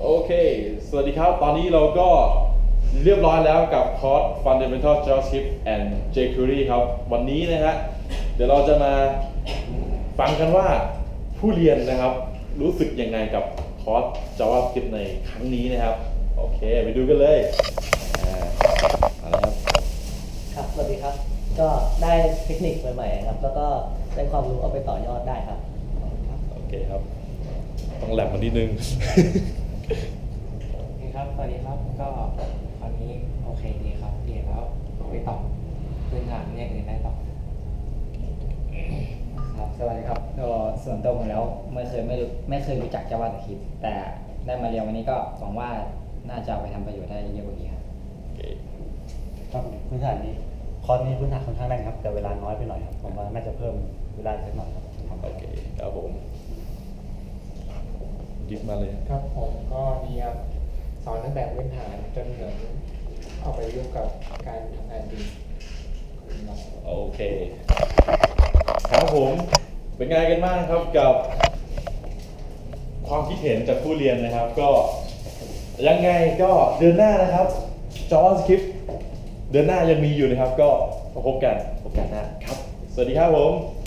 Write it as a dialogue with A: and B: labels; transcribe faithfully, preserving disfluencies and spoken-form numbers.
A: โอเคสวัสดีครับตอนนี้เราก็เรียบร้อยแล้วกับคอร์ส Fundamental JavaScript and jQuery ครับวันนี้นะฮะเดี๋ยวเราจะมาฟังกันว่าผู้เรียนนะครับรู้สึกยังไงกับคอร์ส JavaScript ในครั้งนี้นะครับโอเคไปดูกันเลยอ่าเอาละครับ
B: ครับสวัสดีครับก็ได้เทคนิคใหม่ๆครับแล้วก็ได้ความรู้เอาไปต่อยอดได้ครับ
A: โอเคครับต้องแลบมานิดนึง
C: โอเคครับ สวัสดีครับ ก็คราวนี้โอเคดีครับเรียนแล้วไปต่อพื้นฐานเนี่ยอื่นได้ต่อ
D: ครับสวัสดีครับก็ส่วนตัวผมแล้วไม่เคยไม่รู้ไม่เคยรู้จัก JavaScript แต่ได้มาเรียนวันนี้ก็หวังว่าน่าจะเอาไปทำประโยชน์ได้เยอะกว่านี้ครับ
A: โอเค
E: ครับพื้นฐานนี้คอร์สนี้พื้นฐานค่อนข้างแน่นครับแต่เวลาน้อยไปหน่อยครับผมว่าน่าจะเพิ่มเวลาสักหน่อยครับทำ
A: โอเคครับผมยิบมาเลย
C: ครับผมก็ดีครับสอนตั้งแต่พื้นฐานจนถึงเอาไปยุ่งกับการทำงานจริงครับ
A: โอเคครับผมเป็นไงกันบ้างครับกับความคิดเห็นจากผู้เรียนนะครับ ก็ยังไงก็เดือนหน้านะครับ JavaScript เดือนหน้ายังมีอยู่นะครับ ก็มาพบกันโอกาสหน้าครับ สวัสดีครับผม